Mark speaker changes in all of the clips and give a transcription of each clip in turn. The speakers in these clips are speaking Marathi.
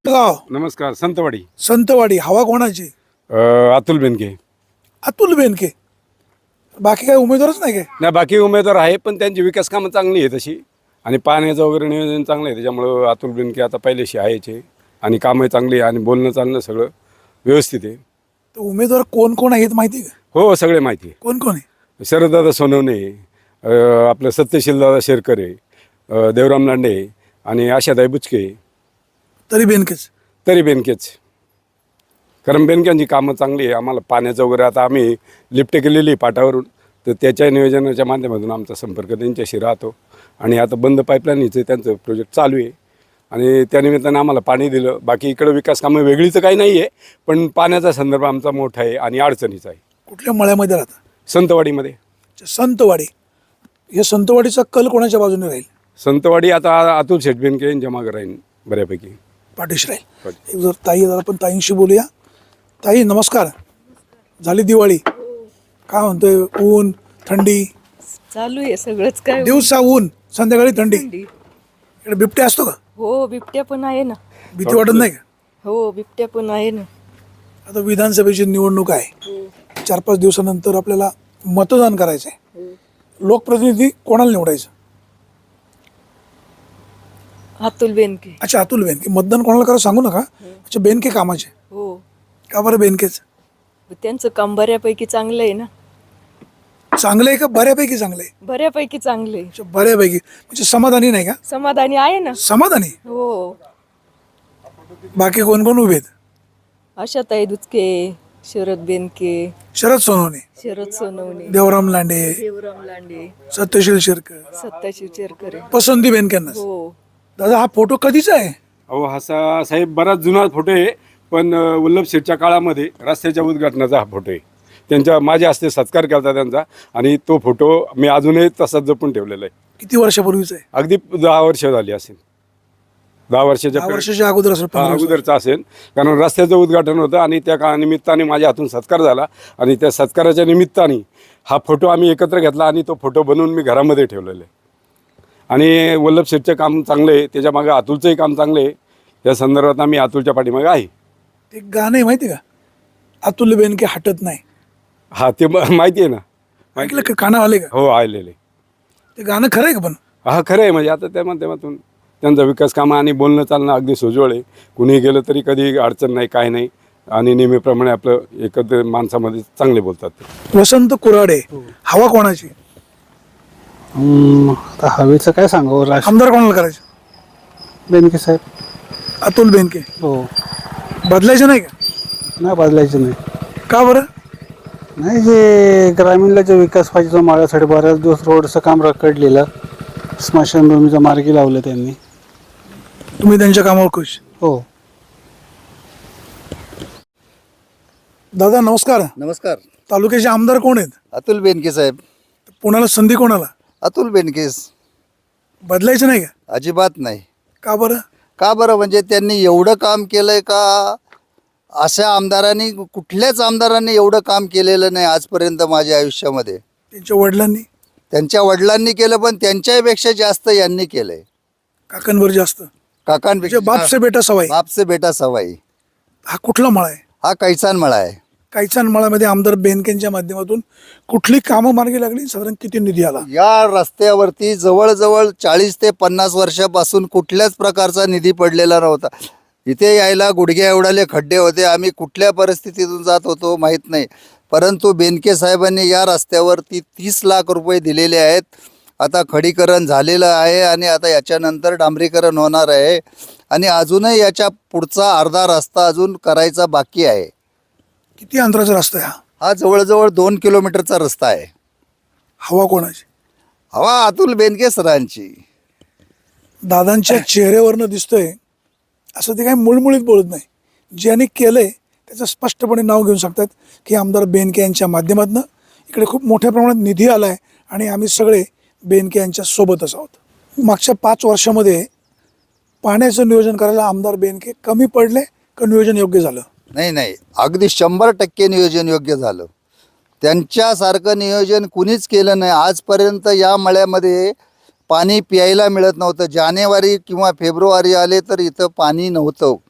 Speaker 1: गाव
Speaker 2: नमस्कार. संतवाडी.
Speaker 1: संतवाडी. हवा कोणाची?
Speaker 2: अतुल बेनके.
Speaker 1: अतुल बेनके. बाकी काय उमेदवारच नाही काय?
Speaker 2: नाही, बाकी उमेदवार आहे पण त्यांची विकास कामं चांगली आहे तशी, आणि पाण्याचं वगैरे नियोजन चांगलं आहे, त्याच्यामुळं अतुल बेनके आता पहिल्याशी आहेचे, आणि कामं चांगली आहे आणि बोलणं चालणं सगळं व्यवस्थित आहे.
Speaker 1: तर उमेदवार कोण कोण आहेत माहिती आहे का?
Speaker 2: हो, सगळे माहिती आहे.
Speaker 1: कोण कोण आहे?
Speaker 2: शरददादा सोनवणे, आपलं सत्यशीलदादा शेरकरे, देवराम लांडे आणि आशाताई बुचके.
Speaker 1: तरी बेनकेच.
Speaker 2: तरी बेनकेच, कारण बेनक्यांची कामं चांगली आहे. आम्हाला पाण्याचं वगैरे आता आम्ही लिफ्ट केलेली आहे पाटावरून, तर त्याच्या नियोजनाच्या माध्यमातून आमचा संपर्क त्यांच्याशी राहतो. आणि आता बंद पाईपलाईनचं त्यांचं प्रोजेक्ट चालू आहे, आणि त्यानिमित्तानं आम्हाला पाणी दिलं. बाकी इकडं विकास कामं वेगळीच काही नाही आहे, पण पाण्याचा संदर्भ आमचा मोठा आहे आणि अडचणीचा आहे.
Speaker 1: कुठल्या मळ्यामध्ये राहता?
Speaker 2: संतवाडीमध्ये.
Speaker 1: संतवाडी. हे संतवाडीचा कल कोणाच्या बाजूने राहील?
Speaker 2: संतवाडी आता अतुल शेठ बेनके यांच्या मागं राहील बऱ्यापैकी.
Speaker 1: पाठीशी राहील. एक जर ताई जर आपण ताईंशी बोलूया. ताई नमस्कार. झाली दिवाळी, काय म्हणतोय? ऊन थंडी
Speaker 3: चालू आहे सगळंच काय.
Speaker 1: दिवसा ऊन, संध्याकाळी थंडी.
Speaker 3: थंडी.
Speaker 1: इकडे बिबट्या असतो का?
Speaker 3: हो, बिबट्या पण आहे ना.
Speaker 1: भीती वाटत नाही का?
Speaker 3: हो, बिबट्या पण आहे ना.
Speaker 1: आता विधानसभेची निवडणूक आहे, 4-5 दिवसानंतर आपल्याला मतदान करायचं आहे. लोकप्रतिनिधी कोणाला निवडायचं?
Speaker 3: अतुल बेनके.
Speaker 1: अच्छा, अतुल बेनके. मतदान कोणाला करा सांगू नका. अच्छा, बेनके कामाचे.
Speaker 3: हो,
Speaker 1: का बरं बेनकेच?
Speaker 3: त्यांचं काम बऱ्यापैकी चांगलं आहे ना.
Speaker 1: चांगलं आहे का बऱ्यापैकी चांगलं आहे?
Speaker 3: बऱ्यापैकी चांगलं आहे.
Speaker 1: अच्छा, बऱ्यापैकी म्हणजे समाधानी नाही का?
Speaker 3: समाधानी आहे ना.
Speaker 1: समाधानी.
Speaker 3: हो,
Speaker 1: बाकी कोण कोण उभे आहेत?
Speaker 3: आशाताई दुचके, शरद बेनके,
Speaker 1: शरद सोनवणे,
Speaker 3: शरद सोनवणे,
Speaker 1: देवराम लांडे,
Speaker 3: देवराम लांडे,
Speaker 1: सत्यशील शेरकर.
Speaker 3: सत्ताशिव चेरकरे.
Speaker 1: पसंती बेनकेंना.
Speaker 3: हो,
Speaker 1: दादा हा फोटो कधीचा आहे?
Speaker 2: अहो, हा साहेब बराच जुना फोटो आहे, पण वल्लभ शेठच्या काळामध्ये रस्त्याच्या उद्घाटनाचा हा फोटो आहे. त्यांच्या माझ्या हस्ते सत्कार केला त्यांचा, आणि तो फोटो मी अजूनही तसाच जपून ठेवलेला आहे.
Speaker 1: किती वर्षापूर्वीचा आहे?
Speaker 2: अगदी 10 वर्ष झाली असेल. 10 वर्षाच्या
Speaker 1: 10 वर्षाच्या अगोदर असेल. 15 वर्ष.
Speaker 2: अगोदरचा असेल, कारण रस्त्याचं उद्घाटन होतं आणि त्या निमित्ताने माझ्या हातून सत्कार झाला, आणि त्या सत्काराच्या निमित्ताने हा फोटो आम्ही एकत्र घेतला आणि तो फोटो बनवून मी घरामध्ये ठेवलेला आहे. आणि वल्लभ शेठचं काम चांगलं आहे, त्याच्या मागे अतुलचंही काम चांगलं आहे. या संदर्भात आम्ही अतुलच्या पाठीमागे आहे.
Speaker 1: ते गाणं आहे माहिती का? अतुल बेनके हटत नाही.
Speaker 2: हा, ते माहिती आहे ना.
Speaker 1: ऐकलं का? काना आले का?
Speaker 2: हो, आलेले.
Speaker 1: ते गाणं खरं आहे का? पण
Speaker 2: हा, खरं आहे. म्हणजे आता त्या माध्यमातून त्यांचा विकास कामं आणि बोलणं चालणं अगदी सोजवळ आहे. कुणीही गेलं तरी कधी अडचण नाही, काय नाही, आणि नेहमीप्रमाणे आपलं एकत्र माणसामध्ये चांगले बोलतात ते.
Speaker 1: वसंत कुराडे. हवा कोणाची?
Speaker 4: आता हवेचं काय सांगावं.
Speaker 1: आमदार कोणाला करायचे?
Speaker 4: बेनके साहेब.
Speaker 1: अतुल बेनके.
Speaker 4: हो,
Speaker 1: बदलायचं नाही का?
Speaker 4: नाही बदलायचं नाही.
Speaker 1: का बरं?
Speaker 4: नाही, जे ग्रामीणला जो विकास पाहिजे तो मागासाठी बऱ्याच दिवस रोडचं काम रखडलेलं, स्मशानभूमीचं मार्गी लावलं त्यांनी.
Speaker 1: तुम्ही त्यांच्या कामावर खुश?
Speaker 4: हो.
Speaker 1: दादा नमस्कार.
Speaker 5: नमस्कार.
Speaker 1: तालुक्याचे आमदार कोण आहेत?
Speaker 5: अतुल बेनके साहेब.
Speaker 1: पुण्याला संधी कोणाला?
Speaker 5: अतुल बेनकेस.
Speaker 1: बदलायचं नाही का?
Speaker 5: अजिबात नाही.
Speaker 1: का बरं?
Speaker 5: का बरं? म्हणजे त्यांनी एवढं काम केलंय का? अशा आमदारांनी, कुठल्याच आमदारांनी एवढं काम केलेलं नाही आजपर्यंत माझ्या आयुष्यामध्ये.
Speaker 1: त्यांच्या वडिलांनी?
Speaker 5: त्यांच्या वडिलांनी केलं, पण त्यांच्यापेक्षा जास्त यांनी केलंय.
Speaker 1: काकांवर जास्त?
Speaker 5: काकांपेक्षा.
Speaker 1: म्हणजे बाप से बेटा सवाई.
Speaker 5: बाप से बेटा सवाई.
Speaker 1: हा कुठला मळा आहे?
Speaker 5: हा कैचान मळा आहे.
Speaker 1: कैचान मळामध्ये आमदार बेनकेंच्या माध्यमातून कुठली कामं मार्गी लागली? साधारण किती निधी आला?
Speaker 5: या रस्त्यावरती जवळजवळ 40 ते 50 वर्षापासून कुठल्याच प्रकारचा निधी पडलेला नव्हता. इथे यायला गुडघ्या एवढाले खड्डे होते. आम्ही कुठल्या परिस्थितीतून जात होतो माहीत नाही, परंतु बेनके साहेबांनी या रस्त्यावरती 30 लाख रुपये दिलेले आहेत. आता खडीकरण झालेलं आहे, आणि आता याच्यानंतर डांबरीकरण होणार आहे, आणि अजूनही याच्या पुढचा अर्धा रस्ता अजून करायचा बाकी आहे.
Speaker 1: किती अंतराचा रस्ता आहे हा?
Speaker 5: हा जवळजवळ 2 किलोमीटरचा रस्ता आहे.
Speaker 1: हवा कोणाची?
Speaker 5: हवा अतुल बेनके सरांची.
Speaker 1: दादांच्या चेहऱ्यावरनं दिसतंय असं ते काही मुळमुळीत बोलत नाही. ज्यांनी केलंय त्याचं स्पष्टपणे नाव घेऊन सांगतात की आमदार बेनके यांच्या माध्यमातून इकडे खूप मोठ्या प्रमाणात निधी आला आहे, आणि आम्ही सगळे बेनके यांच्या सोबतच आहोत. मागच्या 5 वर्षामध्ये पाण्याचं नियोजन करायला आमदार बेनके कमी पडले का नियोजन योग्य झालं?
Speaker 5: नाही, अगदी 100% नियोजन योग्य झालं. त्यांच्यासारखं नियोजन कुणीच केलं नाही आजपर्यंत. या मळ्यामध्ये पाणी प्यायला मिळत नव्हतं. जानेवारी किंवा फेब्रुवारी आले तर इथं पाणी नव्हतं.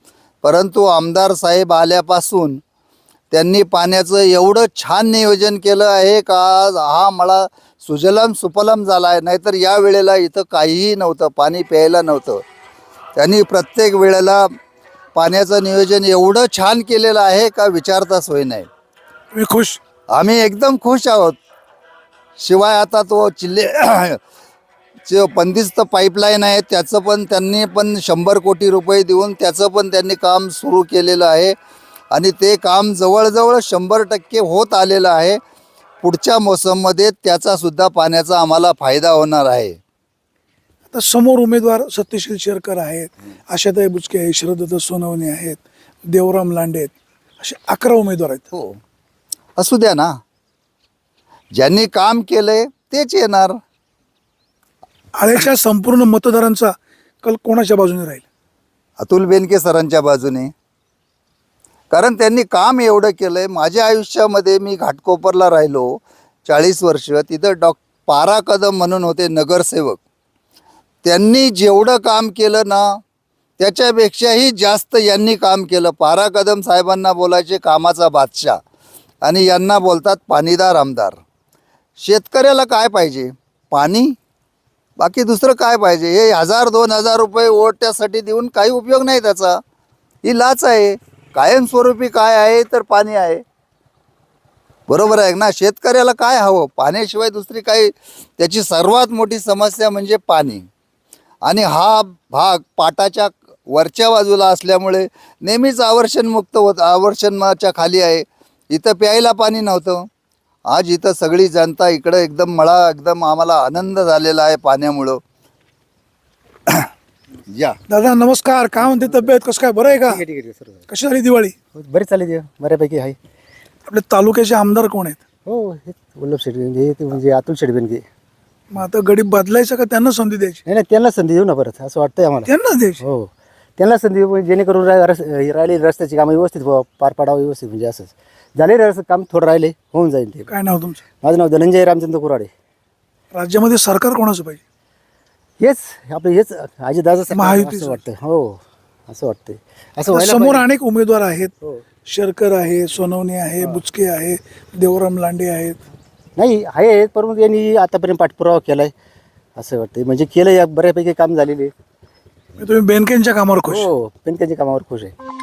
Speaker 5: परंतु आमदार साहेब आल्यापासून त्यांनी पाण्याचं एवढं छान नियोजन केलं आहे का आज हा मळा सुजलाम सुफलाम झाला आहे. नाहीतर या वेळेला इथं काहीही नव्हतं, पाणी प्यायला नव्हतं. त्यांनी प्रत्येक वेळेला पाण्याचं नियोजन एवढं छान केलेलं आहे का विचारता सोय नाही.
Speaker 1: तुम्ही खुश?
Speaker 5: आम्ही एकदम खुश आहोत. शिवाय आता तो जे बंदिस्त पाईपलाईन आहे त्याचं पण त्यांनी पण 100 कोटी रुपये देऊन त्याचं पण त्यांनी काम सुरू केलेलं आहे आणि ते काम जवळजवळ 100% होत आलेलं आहे. पुढच्या मोसममध्ये त्याचासुद्धा पाण्याचा आम्हाला फायदा होणार आहे.
Speaker 1: आता समोर उमेदवार सत्यशील शेरकर आहेत, आशाताई बुचके आहेत, शरदत्त सोनवणे आहेत, देवराम लांडे आहेत, असे 11 उमेदवार आहेत.
Speaker 5: हो, असू द्या ना. ज्यांनी काम केलंय तेच येणार.
Speaker 1: आळ्याच्या संपूर्ण मतदारांचा कल कोणाच्या बाजूने राहील?
Speaker 5: अतुल बेनके सरांच्या बाजूने. कारण त्यांनी काम एवढं केलं आहे. माझ्या आयुष्यामध्ये मी घाटकोपरला राहिलो 40 वर्ष. तिथं पारा कदम म्हणून होते नगरसेवक. त्यांनी जेवढं काम केलं ना त्याच्यापेक्षाही जास्त यांनी काम केलं. पारा कदम साहेबांना बोलायचे कामाचा बादशाह आणि यांना बोलतात पाणीदार आमदार. शेतकऱ्याला काय पाहिजे? पाणी. बाकी दुसरं काय पाहिजे? हे 1000-2000 रुपये ओट्यासाठी देऊन काही उपयोग नाही त्याचा. ही लाच आहे. कायमस्वरूपी काय आहे तर पाणी आहे. बरोबर आहे ना? शेतकऱ्याला काय हवं? पाण्याशिवाय दुसरी काही. त्याची सर्वात मोठी समस्या म्हणजे पाणी. आणि हा भाग पाटाच्या वरच्या बाजूला असल्यामुळे नेहमीच आवर्षणमुक्त आवर्षणाच्या खाली आहे. इथं प्यायला पाणी नव्हतं. आज इथं सगळी जनता इकडं एकदम एकदम आम्हाला आनंद झालेला आहे पाण्यामुळं. या
Speaker 1: दादा नमस्कार. काय म्हणते तब्येत? कसं काय? बरं आहे का?
Speaker 6: ठीक आहे सर.
Speaker 1: कशी झाली दिवाळी?
Speaker 6: बरेच चालले ते बऱ्यापैकी आहे.
Speaker 1: आपल्या तालुक्याचे आमदार कोण आहेत?
Speaker 6: हो, हेच वल्लभ शेठ हे ते म्हणजे अतुल शेठ बेनके.
Speaker 1: मग आता गडी बदलायचं का त्यांना संधी द्यायची?
Speaker 6: नाही नाही, त्यांना संधी देऊ ना परत असं वाटतंय आम्हाला.
Speaker 1: त्यांना द्यायची.
Speaker 6: हो, त्यांना संधी देऊ जेणेकरून राहिलेली रस्त्याची कामं व्यवस्थित पार पाडावं व्यवस्थित. म्हणजे असंच झालेलं रस्ते काम थोडं राहिले होऊन जाईल ते.
Speaker 1: काय नाव तुमचं?
Speaker 6: माझं नाव धनंजय रामचंद्र कुराडे.
Speaker 1: राज्यामध्ये सरकार कोणाचं पाहिजे?
Speaker 6: हेच आपलं हेच अजितदादा
Speaker 1: महायुतीचं.
Speaker 6: असं वाटतं. हो, असं वाटतंय. असं
Speaker 1: आता
Speaker 6: व्हायला
Speaker 1: समोर
Speaker 6: पाहिजे.
Speaker 1: अनेक उमेदवार आहेत.
Speaker 6: हो.
Speaker 1: शेरकर आहे, सोनवणे आहे, बुचके आहे, देवराम लांडे आहेत.
Speaker 6: नाही आहे, परंतु यांनी आतापर्यंत पाठपुरावा केलाय असं वाटतंय. म्हणजे केलं, या बऱ्यापैकी काम झालेले.
Speaker 1: तुम्ही बेनकेंच्या कामावर खुश?
Speaker 6: हो, बेनकेच्या कामावर खुश आहे.